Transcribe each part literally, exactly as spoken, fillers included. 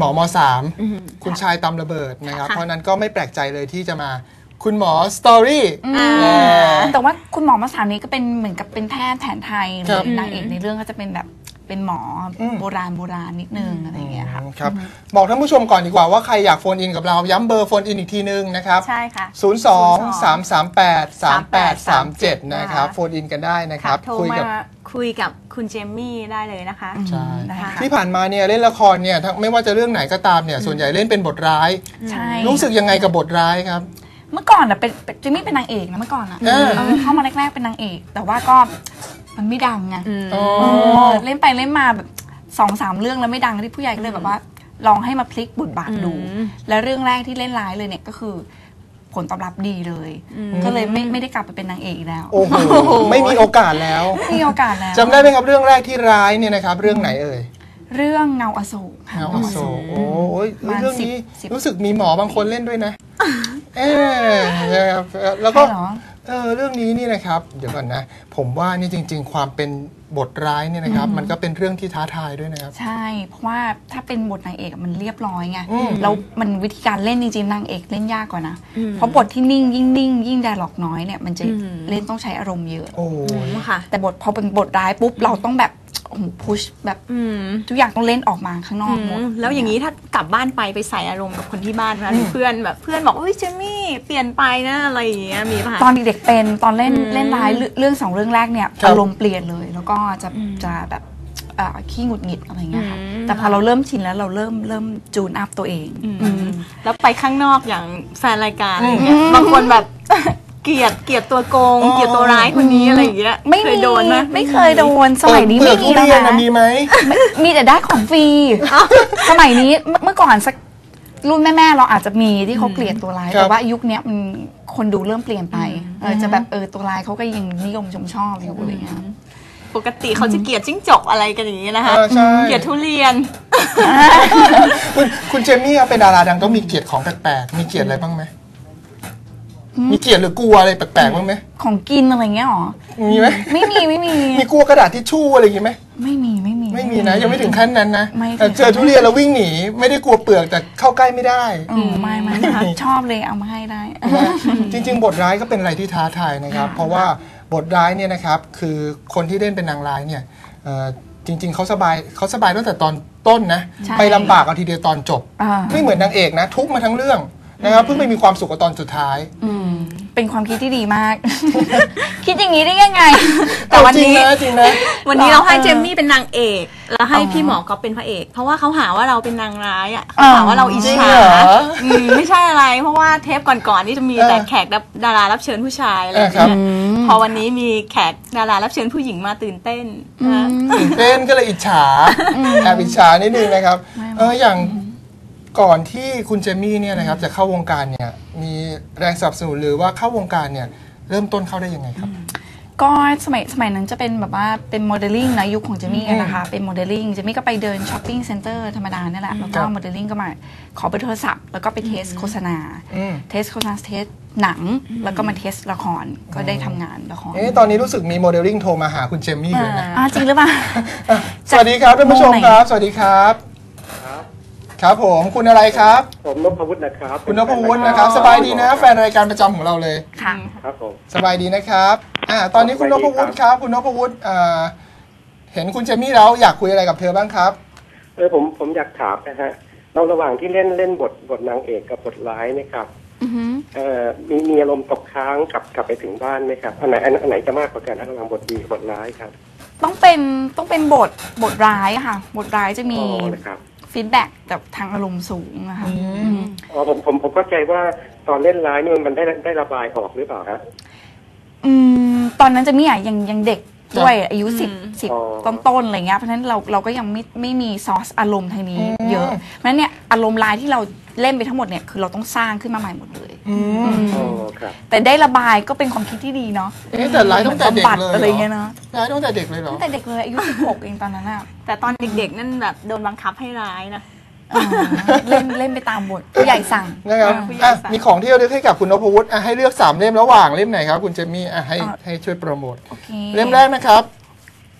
มอมสามคุณชายตำระเบิดนะครับเพราะนั้นก็ไม่แปลกใจเลยที่จะมาคุณหมอสตอรี่แต่ว่าคุณหมอมสามนี้ก็เป็นเหมือนกับเป็นแพทย์แผนไทยหรือนางเอกในเรื่องก็จะเป็นแบบเป็นหมอโบราณโบราณนิดนึงอะไรอย่างเงี้ยค่ะครับบอกท่านผู้ชมก่อนดีกว่าว่าใครอยากโฟนอินกับเราย้ำเบอร์โฟนอินอีกทีนึงนะครับใช่ค่ะศูนย์ สอง สาม สาม แปด สาม แปด สาม เจ็ดนะครับโฟนอินกันได้นะครับคุยกับคุยกับคุณเจมมี่ได้เลยนะคะใช่ที่ผ่านมาเนี่ยเล่นละครเนี่ยไม่ว่าจะเรื่องไหนก็ตามเนี่ยส่วนใหญ่เล่นเป็นบทร้ายรู้สึกยังไงกับบทร้ายครับเมื่อก่อนอ่ะเป็นเจมมี่เป็นนางเอกนะเมื่อก่อนอ่ะเข้ามาแรกๆเป็นนางเอกแต่ว่าก็มันไม่ดังไงเล่นไปเล่นมาแบบสองสามเรื่องแล้วไม่ดังที่ผู้ใหญ่ก็เลยแบบว่าลองให้มาพลิกบทบาทดูและเรื่องแรกที่เล่นร้ายเลยเนี่ยก็คือผลตอบรับดีเลยก็เลยไม่ไม่ได้กลับไปเป็นนางเอกแล้วโอ้โหไม่มีโอกาสแล้วไม่มีโอกาสแล้วจำได้ไหมครับเรื่องแรกที่ร้ายเนี่ยนะครับเรื่องไหนเอ่ยเรื่องเงาอโศกเงาอโศกโอ้ยเรื่องนี้รู้สึกมีหมอบางคนเล่นด้วยนะเออแล้วก็เออเรื่องนี้นี่นะครับเดี๋ยวก่อนนะผมว่านี่จริงๆความเป็นบทร้ายเนี่ยนะครับมันก็เป็นเรื่องที่ท้าทายด้วยนะครับใช่เพราะว่าถ้าเป็นบทนางเอกมันเรียบร้อยไงแล้วมันวิธีการเล่นจริงๆนางเอกเล่นยากกว่านะเพราะบทที่นิ่งยิ่งนิ่งยิ่งไดอะล็อกน้อยเนี่ยมันจะเล่นต้องใช้อารมณ์เยอะโอ้ค่ะแต่บทพอเป็นบทร้ายปุ๊บเราต้องแบบพุชแบบทุกอย่างต้องเล่นออกมาข้างนอกหมดแล้วอย่างนี้ถ้ากลับบ้านไปไปใส่อารมณ์กับคนที่บ้านนะเพื่อนแบบเพื่อนบอกเฮ้ยเจมี่เปลี่ยนไปนะอะไรอย่างเงี้ยมีป่ะตอนเด็กๆเป็นตอนเล่นเล่นร้ายเรื่องสองเรื่องแรกเนี่ยอารมณ์เปลี่ยนเลยแล้วก็จะจะแบบขี้หงุดหงิดอะไรเงี้ยค่ะแต่พอเราเริ่มชินแล้วเราเริ่มเริ่มจูนอัพตัวเองแล้วไปข้างนอกอย่างแฟนรายการอะไรเงี้ยบางคนแบบเกลียดเกลียดตัวโกงเกลียดตัวร้ายคนนี้อะไรอย่างเงี้ยไม่เคยโดนไหมไม่เคยโดนสมัยนี้ไม่มีแล้วนะมีไหมมีแต่ได้ของฟรีสมัยนี้เมื่อก่อนสักรุ่นแม่ๆเราอาจจะมีที่เขาเกลียดตัวร้ายแต่ว่ายุคนี้มันคนดูเริ่มเปลี่ยนไปเออจะแบบเออตัวร้ายเขาก็ยังนิยมชมชอบอยู่อะไรเงี้ยปกติเขาจะเกลียดจิ้งจกอะไรกันอย่างนี้นะคะเกลียดทุเรียนคุณคุณเจมี่เป็นดาราดังต้องมีเกลียดของแปลกๆมีเกลียดอะไรบ้างไหมมีเกลียดหรือกลัวอะไรแปลกๆบ้างไหมของกินอะไรเงี้ยหรอมีไหมไม่มีไม่มีมีกลัวกระดาษทิชชู่อะไรอย่างงี้ไหมไม่มีไม่มีไม่มีนะยังไม่ถึงขั้นนั้นนะเจอทุเรียนแล้ววิ่งหนีไม่ได้กลัวเปลือกแต่เข้าใกล้ไม่ได้ไม่ไม่ชอบเลยเอามาให้ได้จริงๆบทร้ายก็เป็นอะไรที่ท้าทายนะครับเพราะว่าบทร้ายเนี่ยนะครับคือคนที่เล่นเป็นนางร้ายเนี่ยจริงๆเขาสบายเขาสบายตั้งแต่ตอนต้นนะไปลำบากเอาทีเดียวตอนจบไม่เหมือนนางเอกนะทุกมาทั้งเรื่องนะครับเพิ่งไปมีความสุขกับตอนสุดท้ายเป็นความคิดที่ดีมากคิดอย่างนี้ได้ยังไงแต่วันนี้จริงนะวันนี้เราให้เจมมี่เป็นนางเอกแล้วให้พี่หมอก็เป็นพระเอกเพราะว่าเขาหาว่าเราเป็นนางร้ายอ่ะหาว่าเราอิจฉาไม่ใช่อะไรเพราะว่าเทปก่อนๆนี่จะมีแต่แขกดารารับเชิญผู้ชายอะไรอย่างเงี้ยพอวันนี้มีแขกดารารับเชิญผู้หญิงมาตื่นเต้นตื่นเต้นก็เลยอิจฉาแอบอิจฉานิดนึงนะครับเอออย่างก่อนที่คุณเจมี่เนี่ยนะครับจะเข้าวงการเนี่ยมีแรงสนับสนุนหรือว่าเข้าวงการเนี่ยเริ่มต้นเข้าได้ยังไงครับก็สมัยสมัยนั้นจะเป็นแบบว่าเป็นโมเดลลิ่งนะยุคของเจมี่นะคะเป็นโมเดลลิ่งเจมี่ก็ไปเดินช้อปปิ้งเซ็นเตอร์ธรรมดาเนี่ยแหละแล้วก็โมเดลลิ่งก็มาขอเบอร์โทรศัพท์แล้วก็ไปเทสโฆษณาเทสโฆษณาเทสหนังแล้วก็มาเทสละครก็ได้ทำงานละครเอ๊ะตอนนี้รู้สึกมีโมเดลลิ่งโทรมาหาคุณเจมี่เลยนะจริงหรือเปล่าสวัสดีครับท่านผู้ชมครับสวัสดีครับครับผมคุณอะไรครับผมนพวุฒินะครับคุณนพวุฒินะครับสบายดีนะแฟนรายการประจำของเราเลยค่ะครับผมสบายดีนะครับอ่าตอนนี้คุณนพวุฒิครับคุณนพวุฒิอ่าเห็นคุณเจมี่แล้วอยากคุยอะไรกับเธอบ้างครับเออผมผมอยากถามนะฮะเราระหว่างที่เล่นเล่นบทบทนางเอกกับบทร้ายนะครับเอ่อมีมีอารมณ์ตกค้างกลับกลับไปถึงบ้านไหมครับอันไหนอันไหนจะมากกว่ากันระหว่างบทดีบทร้ายครับต้องเป็นต้องเป็นบทบทร้ายค่ะบทร้ายจะมีฟีดแบ็กกับทางอารมณ์สูงนะคะอ๋อผมผมผมเข้าใจว่าตอนเล่นร้ายนี่มันได้ได้ระบายออกหรือเปล่าครับอืมตอนนั้นจะมีอ่ะยังยังเด็กด้วยอายุสิบสิบต้นๆอะไรเงี้ยเพราะฉะนั้นเราเราก็ยังไม่ไม่มีซอสอารมณ์ทางนี้เยอะเพราะฉะนั้นเนี่ยอารมณ์ร้ายที่เราเล่นไปทั้งหมดเนี่ยคือเราต้องสร้างขึ้นมาใหม่หมดเลยแต่ได้ระบายก็เป็นความคิดที่ดีเนาะแต่ร้ายตั้งแต่เด็กเลยอะไรเงี้ยเนาะร้ายตั้งแต่เด็กเลยเหรอตั้งแต่เด็กเลยอายุสิบหกเองตอนนั้นอะแต่ตอนเด็กๆนั่นแบบโดนบังคับให้ร้ายนะเล่นเล่นไปตามบทผู้ใหญ่สั่งนะครับมีของที่เราเลือกให้กับคุณนพวุฒิให้เลือกสามเล่มระหว่างเล่มไหนครับคุณเจมี่ให้ให้ช่วยโปรโมทเล่มแรกนะครับ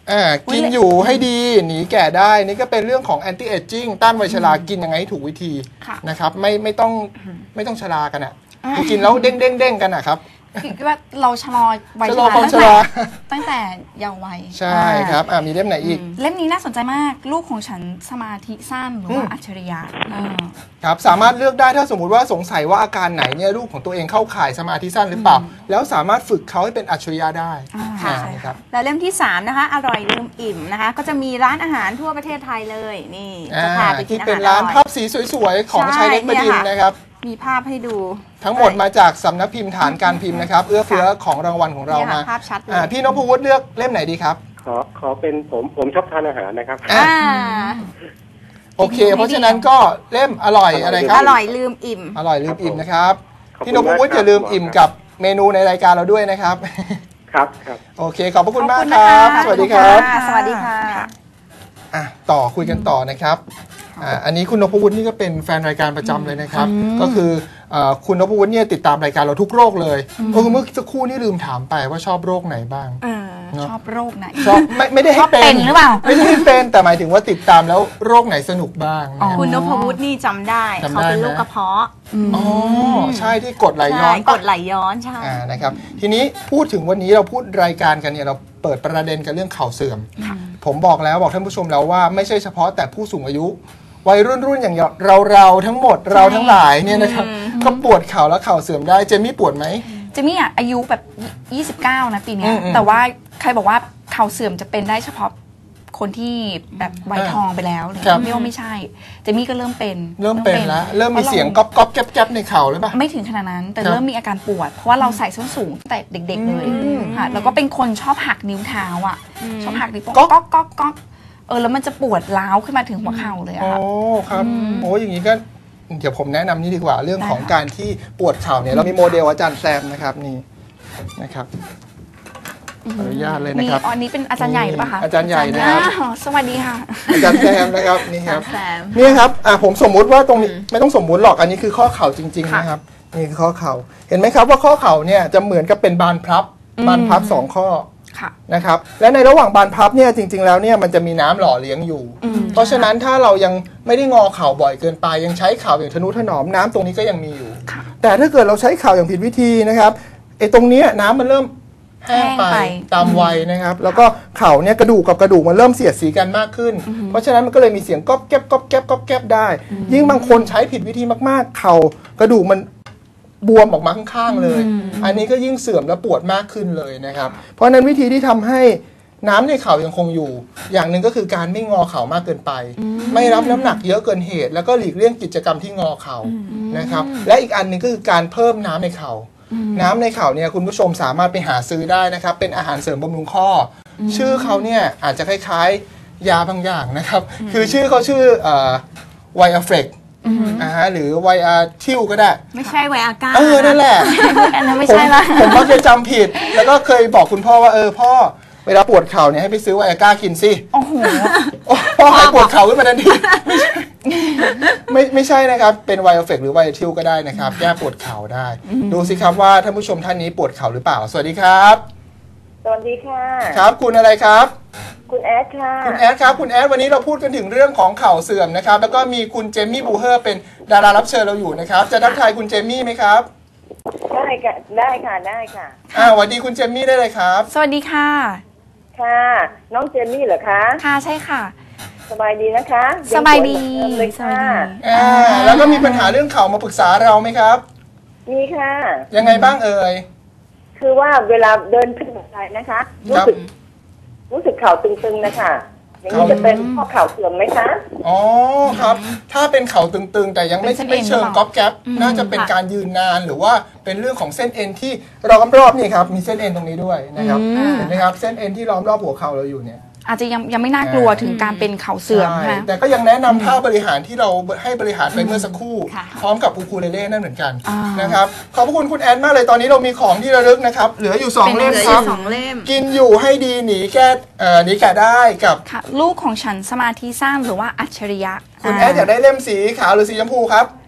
อ่ากินอยู่ให้ดีหนีแก่ได้นี่ก็เป็นเรื่องของ anti aging ต้านวัยชรากินยังไงให้ถูกวิธีนะครับไม่ไม่ต้องไม่ต้องชรากันอ่ะกินแล้วเด้งเด้งเด้งกันอ่ะครับคิดว่าเราชะลอวัยชชะลอราความตั้งชแต่ราตั้งแต่เยาว์วัยใช่ครับอ่ามีเล่มไหนอีกเล่มนี้น่าสนใจมากลูกของฉันสมาธิสั้นหรือว่าอัจฉริยะอ่าครับสามารถเลือกได้ถ้าสมมุติว่าสงสัยว่าอาการไหนเนี่ยลูกของตัวเองเข้าข่ายสมาธิสั้นหรือเปล่า แล้วสามารถฝึกเขาให้เป็นอัจฉริยะได้อ่าอ่าใช่ครับแล้วเล่มที่สามนะคะอร่อยลืมอิ่มนะคะก็จะมีร้านอาหารทั่วประเทศไทยเลยนี่จะพาไปกินที่อาเป็นหารร้านอร่อยภาพสีสวยๆของใช่ชัยเล็กบดินทร์เนี่ยค่ะนะครับมีภาพให้ดูทั้งหมดมาจากสำนักพิมพ์ฐานการพิมพ์นะครับเอื้อเฟื้อของรางวัลของเราเนี่ยมาค่ะภาพชัดเลยอ่าพี่นพวุฒิเลือกเล่มไหนดีครับขอขอเป็นผมผมชอบทานอาหารนะครับอ่ะอ่าโอเค เพราะฉะนั้นก็เล่มอร่อยอะไรคอรับร่อยลืมอิ่มอร่อยลืมอิ่มนะครับขอบคุณพี่นพวุฒิมากครับอย่าลืมอิ่มกับเมนูในรายการเราด้วยนะครับครับครับโอเคขอบพระคุณมากขอบคุณคนะรับคะสวัสดีครับสวัสดีค่ะอ่ะต่อคุยกันต่อนะครับอ่าอันนี้คุณนพวุฒินี่ก็เป็นแฟนรายการประจำเลยนะครับ ก็คือเอ่อคุณนพวุฒิเนี่ยติดตามรายการเราทุกโรคเลยเออเมื่อสักครู่นี่ลืมถามไปว่าชอบโรคไหนบ้างเออเนอะชอบโรคไหนชอบไม่ไม่ได้ให้ชอบเป็นหรือเปล่าไม่ได้ให้เป็นแต่หมายถึงว่าติดตามแล้วโรคไหนสนุกบ้างนะคุณนพวุฒินี่จำได้จำได้เขาเป็นไหมโรคกระเพาะอ๋อใช่ที่กดไหลย้ใช่อนกดไหลย้อนใช่อ่านะครับทีนี้พูดถึงวันนี้เราพูดรายการกันเนี่ยเราเปิดประเด็นกันเรื่องเข่าเสื่อม ผมบอกแล้วบอกท่านผู้ชมแล้วว่าไม่ใช่เฉพาะแต่ผู้สูงอายุ วัยรุ่นรุ่นอย่างเราเราทั้งหมดเราทั้งหลายเนี่ยนะครับก็ปวดเข่าและเข่าเสื่อมได้เจมี่ปวดไหมเจมี่อ่ะอายุแบบ ยี่สิบเก้า นะปีเนี้ยอืมอืมแต่ว่าใครบอกว่าเข่าเสื่อมจะเป็นได้เฉพาะคนที่แบบวัยทองไปแล้วเลยครับไม่ว่าไม่ใช่ เจมี่ก็เริ่มเป็นเริ่มเป็นแล้วเริ่มมีเสียงก๊อบก๊อบแก๊บแก๊บในเข่าหรือเปล่าไม่ถึงขนาดนั้น แต่ครับเริ่มมีอาการปวด เพราะว่าเราใส่ส้นสูงตั้งแต่เด็ก ๆ เลยค่ะแล้วก็เป็นคนชอบหักนิ้วเท้าอ่ะชอบหักนิ้วโป้งก๊อกก๊อกก๊อกเออแล้วมันจะปวดร้าวขึ้นมาถึงหัวเข่าเลยอะโอ้ค่ะครับโอ้อย่างนี้ก็เดี๋ยวผมแนะนำนี่ดีกว่าเรื่องของได้ค่ะการที่ปวดเข่าเนี่ยเรามีโมเดลอาจารย์แซมนะครับนี่นะครับขออนุญาตเลยนะมีครับอ๋ออันนี้เป็นอาจารย์ใหญ่หรือเปล่าคะอาจารย์ใหญ่นะครับอ้าวสวัสดีค่ะอาจารย์แซมนะครับนี่ครับแซมนี่ครับอ่ะผมสมมุติว่าตรงนี้ไม่ต้องสมมุติหรอกอันนี้คือข้อเข่าจริงๆนะครับนี่คือข้อเข่าเห็นไหมครับว่าข้อเข่าเนี่ยจะเหมือนกับเป็นบานพับบานพับสองข้อค่ะนะครับและในระหว่างบานพับเนี่ยจริงๆแล้วเนี่ยมันจะมีน้ำหล่อเลี้ยงอยู่ เพราะฉะนั้นถ้าเรายังไม่ได้งอเข่าบ่อยเกินไปยังใช้เข่าอย่างทนุถนอมน้ำตรงนี้ก็ยังมีอยู่ค่ะแต่ถ้าเกิดเราใช้เข่าอย่างผิดวิธีนะครับไอ้ตรงเนี้ยน้ำมันเริ่มแห้งไปแห้งไปตามวัยนะครับ แล้วก็เข่าเนี่ยกระดูกกับกระดูกมันเริ่มเสียดสีกันมากขึ้น เพราะฉะนั้นมันก็เลยมีเสียงก๊อบแก๊บก๊อบแก๊บก๊อบแก๊บได้ ยิ่งบางคนใช้ผิดวิธีมากๆ เข่ากระดูกมันบวมออกมาข้างๆเลย อันนี้ก็ยิ่งเสื่อมและปวดมากขึ้นเลยนะครับ เพราะฉะนั้นวิธีที่ทำให้น้ำในเข่ายังคงอยู่ อย่างหนึ่งก็คือการไม่งอเข่ามากเกินไป ไม่รับน้ำหนักเยอะเกินเหตุ แล้วก็หลีกเลี่ยงกิจกรรมที่งอเข่านะครับ และอีกอันหนึ่งก็คือการเพิ่มน้ำในเข่า น้ำในเข่าเนี่ยคุณผู้ชมสามารถไปหาซื้อได้นะครับ เป็นอาหารเสริมบำรุงข้ออชื่อเขาเนี่ยอาจจะคล้ายๆ ยาบางอย่างนะครับ คือชื่อเขาชื่อไวอาเฟรกอ่าฮะหรือไวอาทิลก็ได้ไม่ใช่ไวอาก้าเออ นั่นแหละอันนั้นไม่ผมใช่ละผมมักจะจำผิด แล้วก็เคยบอกคุณพ่อว่าเออพ่อเวลาปวดเข่าเนี่ยให้ไปซื้อไวอาก้ากินสิโอ้โหโอ้พ่อหายปวดเข่าขึ้นมาทันทีไม่ไม่ใช่นะครับ เป็นไวอาเฟกหรือไวอาทิลก็ได้นะครับแก้ปวดเข่าได้ ดูสิครับว่าท่านผู้ชมท่านนี้ปวดเข่าหรือเปล่า สวัสดีครับสวัสดีค่ะครับคุณอะไรครับคุณแอดค่ะคุณแอดครับคุณแอดวันนี้เราพูดกันถึงเรื่องของเข่าเสื่อมนะครับแล้วก็มีคุณเจมมี่บูเฮอร์เป็นดารารับเชิญเราอยู่นะครับจะทักทายคุณเจมมี่ไหมครับได้ค่ะ ได้ค่ะ ได้ค่ะอ่าสวัสดีคุณเจมมี่ได้เลยครับสวัสดีค่ะค่ะ น้องเจนนี่เหรอคะค่ะใช่ค่ะสบายดีนะคะสบายดีงสวเหมือนเดิมเลยสบาค่ะยดีอ่าแล้วก็มีปัญหาเรื่องเข่ามาปรึกษาเราไหมครับมีค่ะยังไงบ้างเอ่ยคือว่าเวลาเดินขึ้นบันไดนะคะ รู้สึก รู้สึกเข่าตึงๆนะคะ อย่างนี้จะเป็นข้อเข่าเสื่อมไหมคะอ๋อครับ ถ้าเป็นเข่าตึงๆ แต่ยังไม่เป็นเส้นเอ็ไม่นเชิงหรือเปล่าก๊อบแก๊บน่าจะเป็นการยืนนานหรือว่าเป็นเรื่องของเส้นเอ็นที่ล้อมรอบนี่ครับมีเส้นเอ็นตรงนี้ด้วยนะครับเห็นไหมครับเส้นเอ็นที่ล้อมรอบหัวเข่าเราอยู่เนี่ยอาจจะยังยังไม่น่ากลัวถึงการเป็นเข่าเสื่อมใช่ใช่ไหมแต่ก็ยังแนะนำท่าบริหารที่เราให้บริหารไปเมื่อสักครู่ค่ะพร้อมกับอูคูเลเล่นั่นเหมือนกันอ่านนะครับขอบพระคุณคุณแอนมากเลยตอนนี้เรามีของที่ระลึกนะครับเหลืออยู่สองเป็นเล่มเหลือคอรับยู่สองเล่มกินอยู่ให้ดีหนีแก้เอ่อหนีแก่ได้กับค่ะลูกของฉันสมาธิสั้นหรือว่าอัจฉริยะคุณแอดอยากได้เล่มสีขาวหรือสีชมพูครับส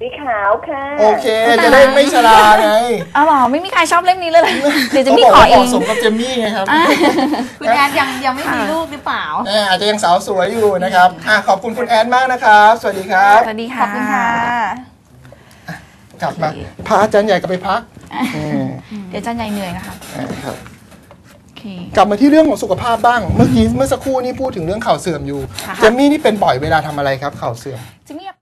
สีขาวค่ะโอเคจะได้ไม่ชราไงอ๋อเหรอไม่มีใครชอบเล่มนี้เลยเหรอเดี๋ยวจะเขามีบอกขอว่าเอเหมาะงสมกับเจมมี่ไงครับคุณแอนยังยังไม่มีลูกหรือเปล่าเอออาจจะยังสาวสวยอยู่นะครับอ่ะขอบคุณคุณแอนมากนะครับ สวัสดีครับสวัสดีค่ะขอบคุณค่ะกลับมาพาอาจารย์ใหญ่กลับไปพักอืมเดี๋ยวอาจารย์ใหญ่เหนื่อยนะคะอ่าครับโอเคกลับมาที่เรื่องของสุขภาพบ้าง เมื่อกี้เมื่อสักครู่นี่พูดถึงเรื่องเข่าเสื่อมอยู่ค่ะเจมมี่นี่เป็นบ่อยเวลาทำอะไรครับเข่าเสื่อมจิมมี่